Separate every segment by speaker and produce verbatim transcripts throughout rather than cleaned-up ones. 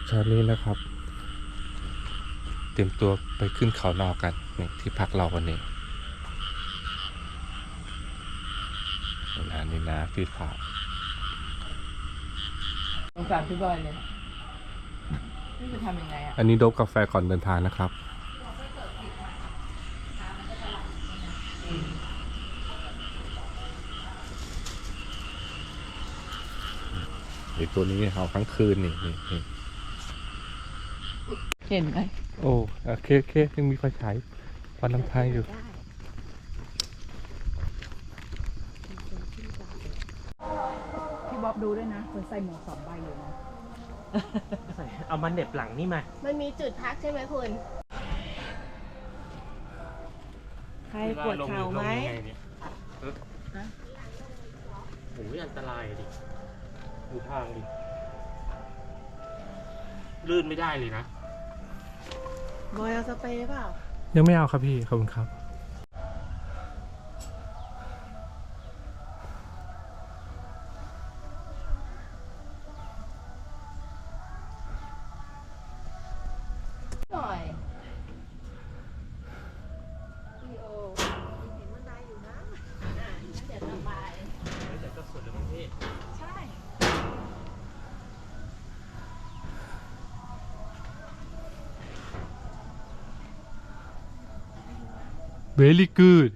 Speaker 1: เช้านี้นะครับ เตรียมตัวไปขึ้นเขานอกันนี่ที่พักเราวันนี้นานี่นะพี่ฝา
Speaker 2: สงสารพี่บอยเลยนี่จะทำยังไงอ่ะ
Speaker 1: อันนี้โดบกาแฟก่อนเดินทางนะครับไอตัวนี้เอาทั้งคืนนี่นี่นี่
Speaker 2: เห็นไหม
Speaker 1: โอ้โอเคโอเคยังมีไฟฉายฟันน้ำทางอยู่
Speaker 2: พี่บ๊อบดูด้วยนะคนใส่หมวกสองใบอยู่นะ
Speaker 3: เอามันเหน็บหลังนี่มา
Speaker 4: มันมีจุดพักใช่ไหมคุณ
Speaker 2: ใครปวดเข่าไหม
Speaker 3: โอ้ยอันตรายดิดูทางดิ ลื่นไม่ได้เลยนะ
Speaker 2: บอยเอาสเปรย์เปล่า
Speaker 1: ยังไม่เอาครับพี่ขอบคุณครับ
Speaker 4: หน่อยพี่โอเห็นบันไดอยู่นะอ่ะงั้นเดี๋ยวระบาย
Speaker 3: เดี๋ยวก็สุดแล้วมั้งพี่
Speaker 4: ใช่
Speaker 1: very good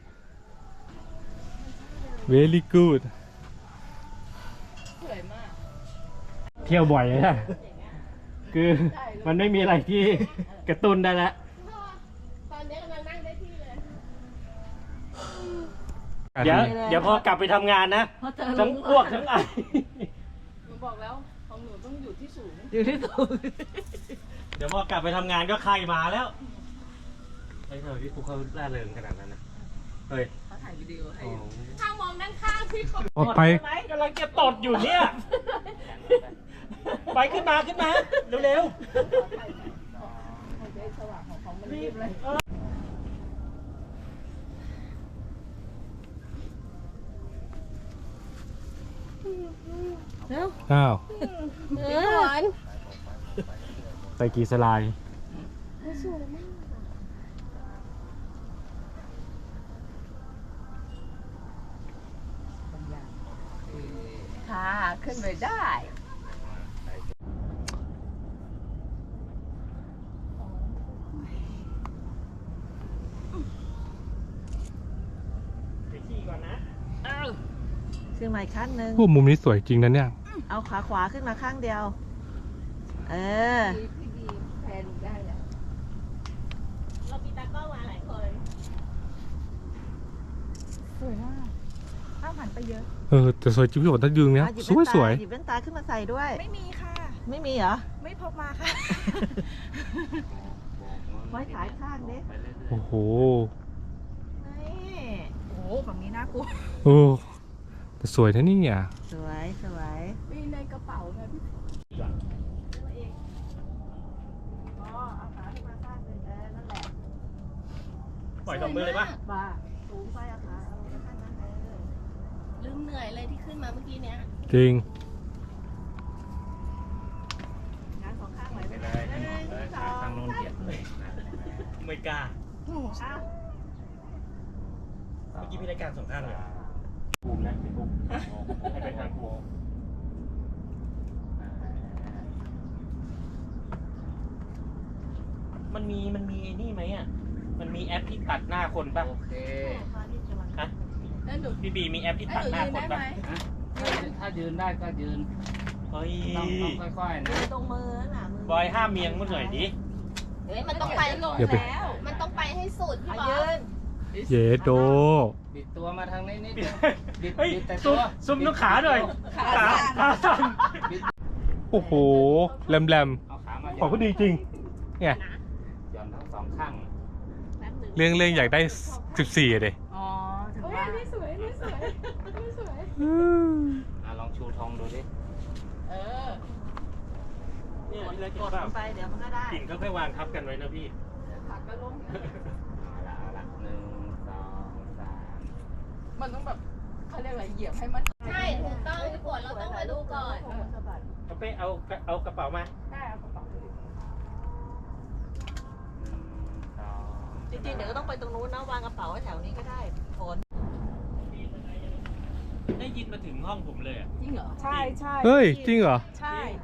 Speaker 1: very good
Speaker 4: สวยมาก
Speaker 3: เที่ยวบ่อยเลยนะคือมันไม่มีอะไรที่กระตุ้นได้แล้ว
Speaker 4: ตอนนี้กำลังนั่งได้ที่เลย
Speaker 3: เดี๋ยวเดี๋ยวพอกลับไปทำงานนะ
Speaker 2: เพราะเธอ
Speaker 3: ทั้งอ้วกทั้งไอ
Speaker 4: หนูบอกแล้วของหนูต้องอยู่ที่สูง
Speaker 2: อยู่ที่สูง
Speaker 3: เดี๋ยวพอกลับไปทำงานก็ไข้มาแล้วไอ้เธอที่คุกเขาล่าเริงขนาดนั้นนะเฮ้ย
Speaker 2: เขาถ่ายวิดีโอให้
Speaker 3: โอ้
Speaker 2: อยู่
Speaker 4: ถ้ามองด้านข้างพี่เขา
Speaker 1: ออกไป
Speaker 3: กำลังจะตดอยู่เนี่ย ไปขึ้นมาขึ้นมา เร็ว
Speaker 4: ของเจ๊สว่างของเขามันรีบเลย
Speaker 2: เร็ว
Speaker 1: อ้าว
Speaker 4: พี่หวาน
Speaker 3: ๆไปกี่สลาย
Speaker 4: สวยมากค่ะ ขึ้นไปได้
Speaker 3: ไปขี่ก่อนนะ
Speaker 2: ขึ้นมาอีกขั้นหนึ่ง
Speaker 1: พวกมุมนี้สวยจริงนะเนี่ย
Speaker 2: เอาขาขวาขึ้นมาข้างเดียว เออ
Speaker 4: พี่ดีแพนได้แหละเรามีตากล้องมาหลายคน
Speaker 2: สวยมากข้าวหันไปเยอะ
Speaker 1: เออแต่สวยจริงพี่บอกถ้ายืนเนี้ย
Speaker 2: อ่ะหยิบ
Speaker 1: สวย
Speaker 2: แว่น
Speaker 1: ส
Speaker 2: ตา
Speaker 1: วย
Speaker 2: หยิบแว่นตาขึ้นมาใส่ด้วย
Speaker 5: ไม่มีค่ะ
Speaker 2: ไม่มีเหรอ
Speaker 5: ไม่พกมาค่ะ
Speaker 2: ไว้ขายข้างเด็ก
Speaker 1: โอ้โห
Speaker 2: นี่
Speaker 5: โอ้โหแบบนี้น่ากลัว
Speaker 1: โอ้แต่สวยนะนี่เนี่ย
Speaker 2: สวยสวย
Speaker 4: มีในกระเป๋าไงพี่
Speaker 2: อ๋อเอาขาขึ้นมาข้างหนึ่งเออนั่นแหละ
Speaker 3: ปล่อยสองมือเลยปะ
Speaker 2: บ้าสูงไปเอาขาเอาไว้ข้างนั้นเออ
Speaker 4: ลืมเหนื่อยเลยที่ขึ้นมาเมื่อกี้เนี้ย
Speaker 1: จริง
Speaker 2: งานสองข้างไหวไหม
Speaker 3: ไปเลย
Speaker 2: หนึ่งสอง
Speaker 3: ทางโน้นเกียดเลยไม่กล้า
Speaker 2: เอา
Speaker 3: เมื่อกี้พี่รายการสองข้างเลยภูมินะพี่ภูมิให้ไปทางภูมิมันมีมันมีไอ้นี่ไหมอ่ะ มันมีแอปที่ตัดหน้าคนป่ะ โอเคฮะ
Speaker 4: แล้วหนู
Speaker 3: พี่บีมีแอปที่
Speaker 4: แล้ว
Speaker 3: ตัด
Speaker 4: หนู
Speaker 3: หน้า
Speaker 4: ยืน
Speaker 3: คน
Speaker 4: ได้
Speaker 3: ป่ะ
Speaker 4: ไหม
Speaker 6: ถ้ายืนได้ก็ยืน
Speaker 3: เฮ้ย
Speaker 6: ต้องต้องค่อยๆนะ
Speaker 2: ตรงมือน่ะมื
Speaker 3: บอยห้ามเมียงมันหน่อยดิ
Speaker 4: เฮ้ยมันต้องไปลง
Speaker 1: อย่าไป
Speaker 4: แล้ว มันต้องไปให้สุดพี่
Speaker 2: เอา
Speaker 4: บอ
Speaker 2: ยื
Speaker 4: ส
Speaker 2: น
Speaker 1: เยโด
Speaker 6: บิดตัวมาทางนี้นิดเดียวบิด
Speaker 3: เฮ้ย
Speaker 6: บิดแต่
Speaker 3: ซุ่
Speaker 6: ตั
Speaker 3: ม
Speaker 6: ว
Speaker 3: ซุ่มลูกขาหน่อย ขาขาสั่น
Speaker 1: โอ้โหแรมแรม
Speaker 6: เอาขามา
Speaker 1: ของก็ดีจริงเนี่ย
Speaker 6: หย่อนทั้งสองข้าง
Speaker 1: เรื่องเรื่องอยากได้สิบสี่อะเด
Speaker 2: อ๋อถึง
Speaker 4: เฮ้ย
Speaker 2: ว่า
Speaker 4: นี่สวยนี่สวยนี่สวย
Speaker 6: อ่ะลองชูธงดูดิ
Speaker 4: เออ
Speaker 3: เนี่ยพี่เล็ก
Speaker 2: ก
Speaker 3: เห็
Speaker 2: ด
Speaker 3: นเป
Speaker 2: ล
Speaker 3: ล่าง
Speaker 2: ไปเดี๋ยวมันก็ได้
Speaker 3: กิ่งก็ค่อยวางทับกันไว้นะพี่
Speaker 4: ผักก็ล้ม
Speaker 6: เอาละเอาละหนึ่งสองสาม
Speaker 4: มันต้องแบบเขาเรียกอะไรเหยียบให้มัน ใช่ถูกต้องพี่ปวดเราต้องมาดูก่อน
Speaker 3: เอาไปเอาเอากระเป๋ามา
Speaker 4: ได้เอากระเป๋าจริงๆเดี๋ยวก็ต้องไปตรงนู้นนะวางกระเป๋าไว้แถวนี้ก็ได้ฝน
Speaker 3: ได้ยินมาถึงห้องผมเลยอ่ะ
Speaker 4: จริงเหรอ
Speaker 5: ใช่ใช่
Speaker 1: เฮ้ย จริงเหรอ
Speaker 5: ใช่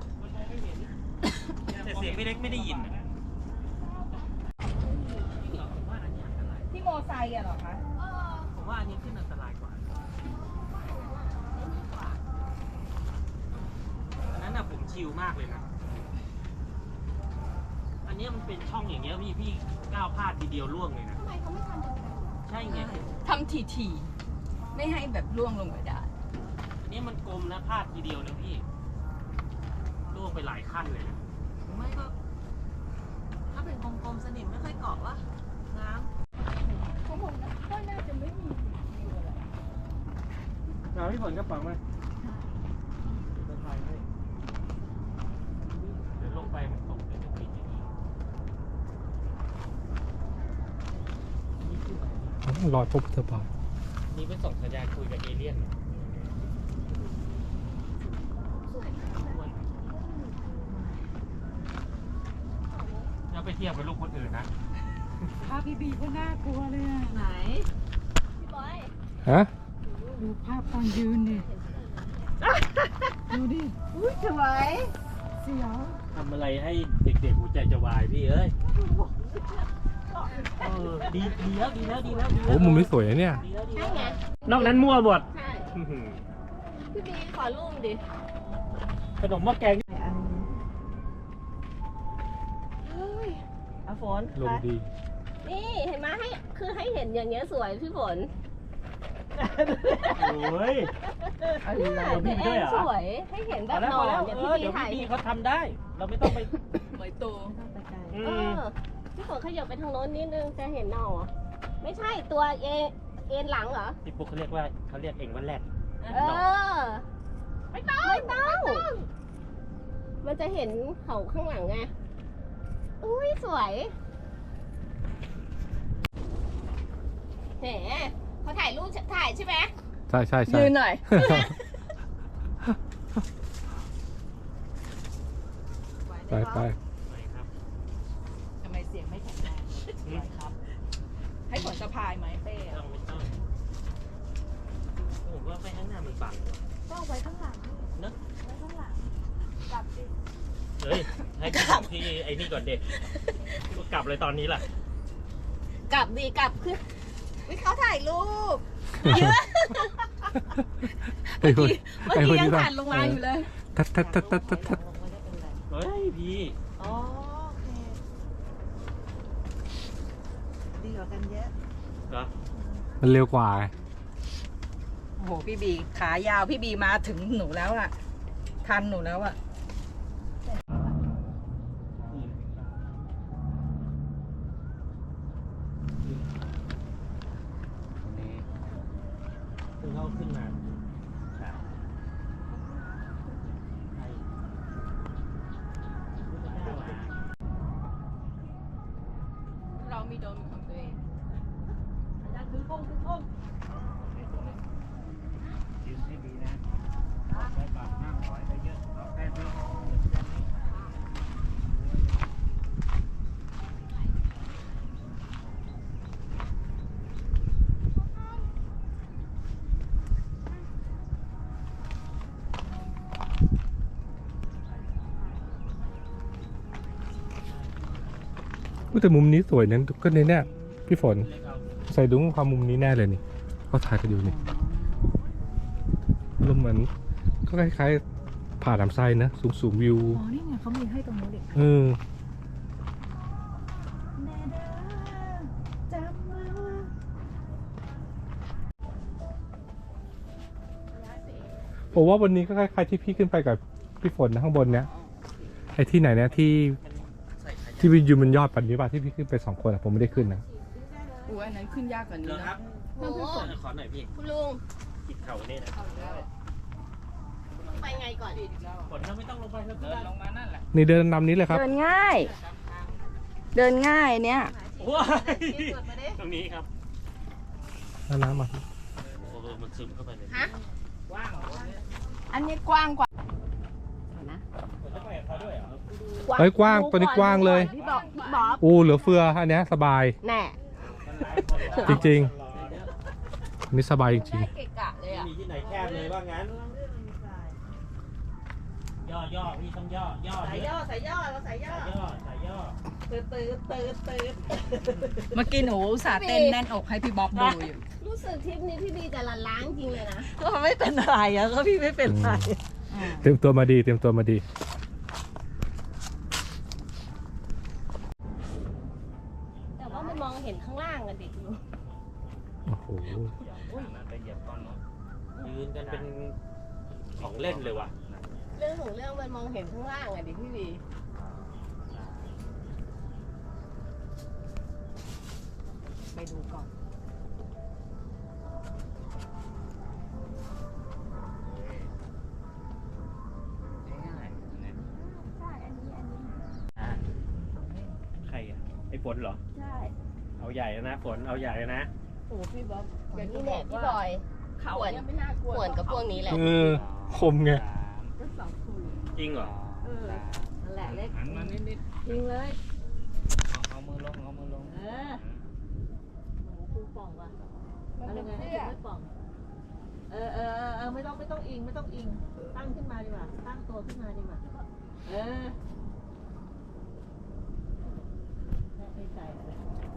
Speaker 3: แต่เสียงพี่เล็กไม่ได้ยินอะ
Speaker 5: ที่โมไซค์อะเหรอคะ
Speaker 3: ผมว่าอันนี้ขึ้นอันตรายกว่าอันนั้นน่ะผมชิลมากเลยนะ อันเนี้ยมันเป็นช่องอย่างเงี้ยพี่พี่ก้าวพลาดทีเดียวล่วงเลยนะ
Speaker 4: ทำไมเขาไม่ทำอย่างนั้น
Speaker 3: ใช่ไง
Speaker 5: ทำทีทีๆไม่ให้แบบล่วงลงไปได้
Speaker 3: อันนี้มันกลมนะพลาดทีเดียวนะพี่ล่วงไปหลายขั้นเลยนะ
Speaker 4: ไม่ก็ถ้าเป็นกลมๆสนิมไม่ค่อยเกาะวะน้
Speaker 5: ของผมนะก็น่าจะไม่มีอยู่อะไร
Speaker 3: เอาพี่ฝนกระเป๋ามาเดี๋ยวถ่ายให้เดี๋ยวลงไปมันตกเป็นปิดอย่างนี้นี่คืออะไร
Speaker 1: รอยพบเธอบาท
Speaker 3: นี่ไปส่งสัญญาณคุยกับเอเลี่ยนเหรออย่าไปเทียบกับลูกคนอื่นนะ
Speaker 5: ภาพพี่บีก็น่ากลัวเลยอะ
Speaker 4: ำไหนพี่บอย
Speaker 1: ฮะ
Speaker 5: ดูภาพตอนยืนดิดูดิ
Speaker 4: อุ้ยสวย
Speaker 5: เสียว
Speaker 3: ทำอะไรให้เด็กๆหัวใจจะวายพี่เอ้ยเออดีดีแล้วดีแล้วดีแล้วดีแล้ว
Speaker 1: โอ้มุมนี้สวยนะเนี่ย
Speaker 3: ดีแล้วดี
Speaker 4: ใช่
Speaker 3: แล้ว
Speaker 4: ไง
Speaker 3: นอกนั้นมั่วหมด
Speaker 4: ใช่พี่บีขอรูปดิ
Speaker 3: ขนมหม้อแกง
Speaker 4: เฮ้ยอาฝน
Speaker 1: ลมดี
Speaker 4: นี่เห็นไหมให้คือให้เห็นอย่างเงี้ยสวยพี่ฝน
Speaker 3: โอ้ย
Speaker 4: เนี่ย
Speaker 3: มี
Speaker 4: พี่
Speaker 3: ด้วย
Speaker 4: เอ็
Speaker 3: เหรอ
Speaker 4: สวยให้เห็นแบ
Speaker 3: พอบ แล้ว
Speaker 4: หน
Speaker 3: พ
Speaker 4: อ
Speaker 3: อแล้ว
Speaker 4: เนี่ย
Speaker 3: เอ
Speaker 4: พี่
Speaker 3: อ
Speaker 4: บี
Speaker 3: เดี๋ยว
Speaker 4: ถ่าย
Speaker 3: พี่เขาทำได้ เราไม่ต้องไป
Speaker 5: เหมยโต
Speaker 3: อื
Speaker 4: เอ
Speaker 3: ม
Speaker 4: อพี่ฝนขยับไปทางโน้นนิดนึงจะเห็นหนอไม่ใช่ตัวเอเอ็นหลังเหรอ
Speaker 3: พี่ปุ๊กเขาเรียกว่าเขาเรียกเองว่าแรด
Speaker 4: เออ ไม่ต้องไม่ต้อง มันจะเห็นเขาข้างหลังไง อุ้ยสวยแหมเขาถ่ายรูปถ่ายใช่ไหม
Speaker 1: ใช่ใช่ใช่
Speaker 5: ยืนหน่อย
Speaker 1: ไปไป
Speaker 3: ไปครับ
Speaker 5: ทำไมเสียงไม่แข็งแรงไหวครับ ให้ผลสะพายไหมเป้
Speaker 3: ไม่ต้องไม่ต้องผมว่าไปข้างหน้ามันบังว่ะ
Speaker 5: ก็เอาไว้ข้างหลัง
Speaker 3: เนอะ
Speaker 5: ไว้ข้างหลังกลับดิ
Speaker 3: เฮ้ยให้กลับที่ไอ้นี่ก่อนเด็กกลับเลยตอนนี้แหละ
Speaker 4: กลับดีกลับคือวิเขาถ่ายรูป
Speaker 1: ไอ้คน
Speaker 5: เมื่อ
Speaker 1: ไอ้ค
Speaker 5: กี้
Speaker 1: น
Speaker 5: ยัง
Speaker 1: ที่
Speaker 5: ผ่านลงมาอยู่เลย
Speaker 1: ทัดทัดทัดทัดทัดทัด
Speaker 3: เฮ้ยพี่
Speaker 4: อ๋อโอเค
Speaker 5: ดีกว่ากันเยอะ
Speaker 3: เหรอ
Speaker 1: มันเร็วกว่าไง
Speaker 5: โอ้โหพี่บีขายาวพี่บีมาถึงหนูแล้วอะทันหนูแล้วอะ
Speaker 3: คือเขาขึ้นมาใช่ใช่
Speaker 5: เรามีโดมของตัวเอง
Speaker 6: ยืนให้ดีนะไปก่อนห้ามถอยไปเยอะเอาแค่นี้
Speaker 1: อุ๊ยแต่มุมนี้สวยนั้นก็ในเนี่ยพี่ฝน
Speaker 3: เล็กเอา
Speaker 1: ใส่ดุ้งความมุมนี้แน่เลยนี่เขาถ่ายกันอยู่นี่ลมเหมือนก็คล้ายๆผ่าลำไส้นะ สูงสูงวิว
Speaker 5: อ๋อ นี่ไงเขามีให้ตรงนู้นเด็ก
Speaker 1: เออ
Speaker 5: แม่เด้อจำไว้ว่า
Speaker 1: ผมว่าวันนี้ก็คล้ายๆที่พี่ขึ้นไปกับพี่ฝนนะข้างบนเนี้ยไอ้ที่ไหนเนี่ยที่
Speaker 3: ใส่ขยะ
Speaker 1: ที่วิวอยู่มันยอดปันนี้ป่ะที่พี่ขึ้นไปสองคนอะผมไม่ได้ขึ้นนะ
Speaker 5: อู้อันนั้นขึ้นยากกว่านี้
Speaker 3: เหรอครั
Speaker 5: นะ
Speaker 3: บ
Speaker 4: โอ้โห
Speaker 3: ขอหน่อยพี่
Speaker 4: คุณลุง
Speaker 3: กิดเข่านี่นะ
Speaker 4: ไปไงก่อน
Speaker 3: ฝนเราไม่ต้องลงไปแล้วเดินลงมานั่นแหละ
Speaker 1: นี่เดินนำนี้เลยครับ
Speaker 5: เดินง่าย เดินง่ายเนี่ย
Speaker 3: ว้ายตรงนี้ครับ
Speaker 1: เอาน้ำมา
Speaker 3: โอ้โหมันซึมเข้าไปเลย
Speaker 4: ฮะ
Speaker 5: อันนี้กว้างกว่า
Speaker 4: นะ
Speaker 3: ผมจะไปกับเขาด้วยเหรอ
Speaker 1: เฮ้ยกว้างตัวนี้กว้างเลย
Speaker 4: พี่บอกพี่บอก
Speaker 1: โอ้เหลือเฟืออันเนี้ยสบาย
Speaker 4: แน่
Speaker 1: จริงๆนี่สบายจริง
Speaker 4: ได้เกะกะเลย
Speaker 3: ไม่
Speaker 4: อ่ะ
Speaker 3: มีที่ไหนแคบเลยว่างั้น ย่อย่อพี่ต้องย่อย่อ
Speaker 5: สายย่อสายย่อเราสายย่อ
Speaker 3: สายย่อสายย่อ
Speaker 5: ตืดตืดตืดตืดเมื่อกี้หนูอุตสาห์เต้นแน่นอกให้พี่บ๊อบดูอยู่
Speaker 4: รู้สึกทริปนี้พี่บีจะละล้างจริงเลยนะ
Speaker 5: ก็ไม่เป็นไรอะก็พี่ไม่เป็นไร
Speaker 1: ๆ เตรียมตัวมาดีเตรียมตัวมาดี
Speaker 4: แต่ว่ามันมองเห็นข้างล่างอะเด็กดู
Speaker 1: โอ้โห
Speaker 3: มันไปเหยียบก้อนเนาะยืนกันเป็นของเล่นเลยว่ะ
Speaker 4: เรื่องของเรื่องมันมองเห็นข้างล่างอะเด็กพี่บี
Speaker 5: ไปดูก่อน
Speaker 3: ใครอ่ะไอ้ฝนเหรอ
Speaker 4: ใช่
Speaker 3: เอาใหญ่แล้วนะฝนเอาใหญ่แล้วนะ
Speaker 4: โอ้พี่บ๊อบอย่างนี้เนี่ยพี่บอย
Speaker 5: เขา
Speaker 4: ขวน
Speaker 5: เนี่ยไม่น่ากลัว
Speaker 4: ขวนกับพวกนี้แหละ
Speaker 1: เออคมไง
Speaker 5: ก็สองคู
Speaker 3: จริงเหรอ
Speaker 5: เออนั่นแหละเล็ก
Speaker 6: หันมานิดนิด
Speaker 5: จริงเลย
Speaker 6: ๆเอามือลงเอามือลง
Speaker 5: เออหมูคูป่องว่ะอะไรไงให้ไม่ป่อง เออเออเออเออไม่ต้องไม่ต้องอิงไม่ต้องอิง ตั้งขึ้นมาดีกว่า ตั้งตัวขึ้นมาดีกว่า เออไม่ใจอะไร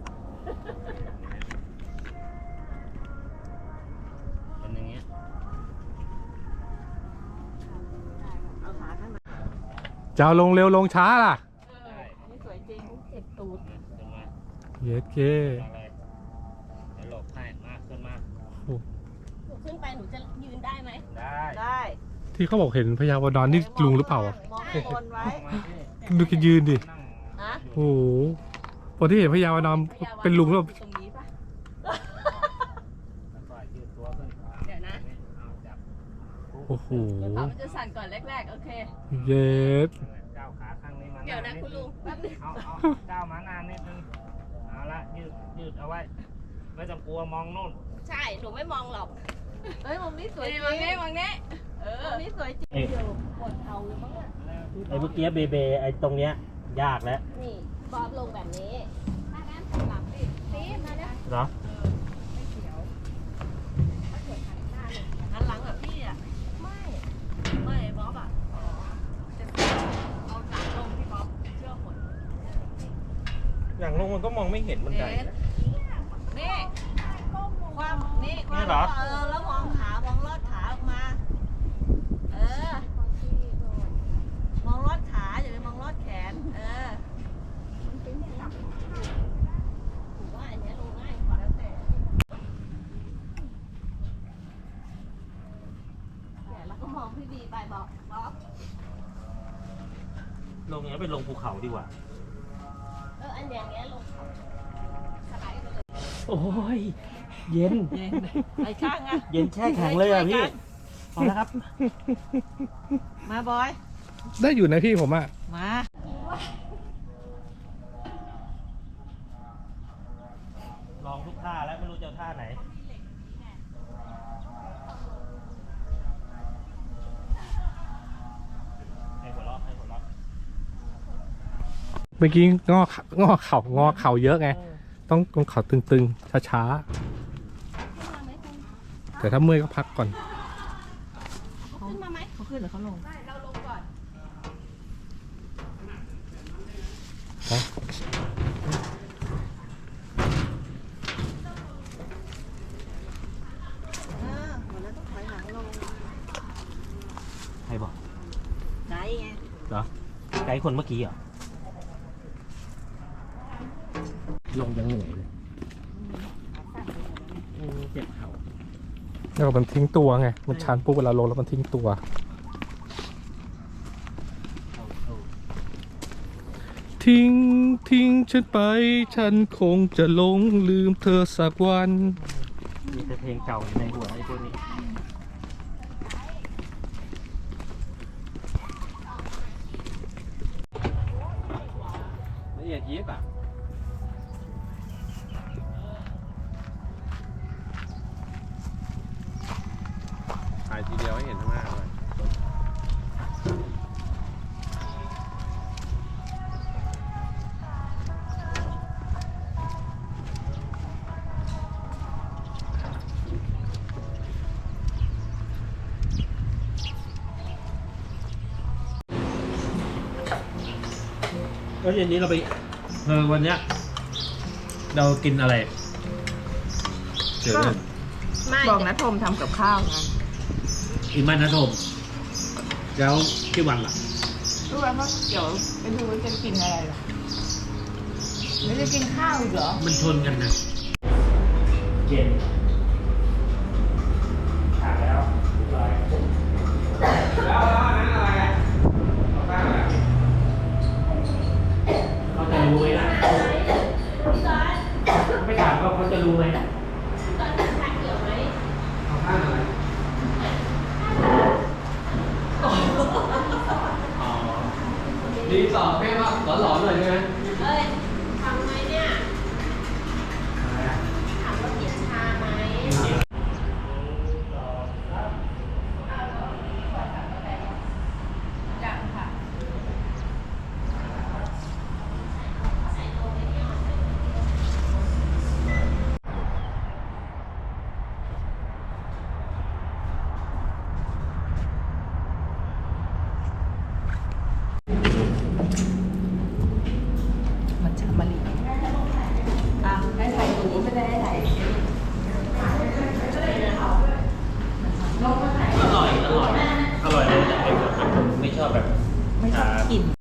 Speaker 3: เป็นอย่างเงี้ย
Speaker 5: เอาขาข้างใน
Speaker 1: จะเอาลงเร็วลงช้าล่ะ
Speaker 5: เออนี่สวยจริงเจ็บตูด
Speaker 3: ขึ้นมา
Speaker 1: เย็ดเก้
Speaker 3: มาเลยเดี๋ยวหลบให้มาขึ้นมา
Speaker 4: หนูขึ้นไปหนูจะยืนได้ไหม
Speaker 3: ได้
Speaker 5: ได้
Speaker 1: ที่เขาบอกเห็นพญาวานอนนี่ลุงหรือเปล่าอ่ะ
Speaker 5: มองข้างบนไว้
Speaker 3: มาที่
Speaker 1: ดูแกยืนดิ
Speaker 3: นั่ง
Speaker 5: ฮะ
Speaker 1: โอ้โหพอที่เห็นพญาวานอนเป็นลุงแล้ว
Speaker 5: ตรงนี้ปะ
Speaker 3: ค่อยๆยืดตัวขึ้น
Speaker 5: เดี๋ยวนะ
Speaker 3: เอาจับ
Speaker 1: โอ้โห
Speaker 5: เดี๋ยวขามันจะสั่นก่อนแรกๆ โอเค
Speaker 1: เย็ด
Speaker 3: ก้าวขาข้างนี้มา
Speaker 4: เดี๋ยวนะคุณลุงแป๊บนึง
Speaker 3: เอาเอาก้าวมานานนิดนึงเอาละยืดยืดเอาไว้ ไม่ต้องกลัวมองนู่น
Speaker 4: ใช่ หนูไม่มองหรอก
Speaker 5: เฮ้ยมุมนี้สวยจริง
Speaker 4: มองนี้มองนี้
Speaker 5: เออมุมนี้สวยจริง
Speaker 3: เอ้ย
Speaker 4: ปวดเข่าเลยมั้งอะ
Speaker 3: ไอ้เมื่อกี้เบเบไอ้ตรงเนี้ยยากแล้ว
Speaker 4: นี่บอบลงแบบนี้ถ้างั้นหลังดิตีมาเนี่ย
Speaker 3: เหรอ
Speaker 5: หันหลังแบบพี่อ่ะ
Speaker 4: ไม่
Speaker 5: ไม่บ๊อบอ่ะจะเอาหลังลงพี่บ๊อบเชื่อผล
Speaker 3: อย่างลงมันก็มองไม่เห็นบันไดนะ
Speaker 5: นี่ความนี่ควา
Speaker 3: นี่
Speaker 5: ม
Speaker 3: เหรอ
Speaker 5: เออแล้วมองขามองลอดขาออกมา เออ มองลอดขาอย่าไปมองลอดแขน เออ
Speaker 4: หนูว่าอันเนี้ยลงง่ายกว่า
Speaker 5: แล้วแต่
Speaker 4: เนี่ยแล้วก็มองพี่บีไปบอกบอก
Speaker 3: ลงอย่างนี้ไปลงภูเขาดีกว่า
Speaker 4: เอออันอย่างเงี้ยลงเขาสไลด์ไปเลย
Speaker 3: โอ้ย เย็น
Speaker 5: เย็นไปข้างอ่ะ
Speaker 3: เย็นแช่แข็งเลยอ่ะพี่พอแล้วครับ
Speaker 5: มาบอย
Speaker 1: ได้อยู่นะพี่ผมอ่ะ
Speaker 5: มา
Speaker 3: ลองทุกท่าแล้วไม่รู้จะเอาท่าไหน ให้หัวเราะให้หัวเราะ
Speaker 1: เมื่อกี้งอขางอเข่างอเข่าเยอะไง ต้องต้องเข่าตึงๆ ช้าๆ แต่ถ้าเมื่อยก็พักก่อน
Speaker 4: ขึ้นมาไหม
Speaker 5: เขาขึ้นหรือเขาลง
Speaker 4: เราลงก่อน
Speaker 5: เออหมดแล้วต้องถอยหลังลง
Speaker 3: ใครบอก
Speaker 5: ไหนไง
Speaker 3: เหรอ ไกด์คนเมื่อกี้เหรอ ลงยังเหนื่อยเลยอืมเจ็บเข่า
Speaker 1: แล้วมันทิ้งตัวไง มันชันปุ๊บเวลาลงแล้วมันทิ้งตัว
Speaker 3: เข้าเข้า
Speaker 1: ทิ้งทิ้งฉันไป ฉันคงจะหลงลืมเธอสักวัน
Speaker 3: มีแต่เพลงเก่าอยู่ในหัวไอ้พวกนี้ ละเอียดยิบอ่ะ
Speaker 7: ถ่ายทีเดียวให้เห็นข้างหน้าเลย
Speaker 3: แล้วเย็นนี้เราไปเออวันเนี้ยเรากินอะไรเดี๋ยวนะ
Speaker 2: ไม่ บอกนะทมทำกับข้าวไง
Speaker 3: อีมันนะโทมแล้วพี่วันล่ะ
Speaker 2: รู้ไหมว่าเดี๋ยวไปดูว่าจะกินอะไรหรอไม่ได้กินข้าวอีกเหรอ
Speaker 3: มันชนกันนะเย็นขาดแล้วร้อยแล้วอันนั้นอะไรอ่ะเอาตั้งอะไรเขาจะรู้ไหมล่ะไม่ถามก็เขาจะรู้ไหมเอาตั้งอะไรรีสอร์ทแม่ว่าหลอนๆหน่อยใช่ไหม
Speaker 4: เอ้ยทำไมเนี่ย
Speaker 3: อะไรอ่ะ
Speaker 4: ถามว่ากินชาไหม
Speaker 2: ยังค่ะ มันจะมาลีอ่ะให้ถ่ายหนูไม่ได้ให้ถ่าย
Speaker 3: อร่อย อร่อย อร่อยเลยแต่ไอ้ผมไม่ชอบแบบ
Speaker 2: ไม่ชอบกิน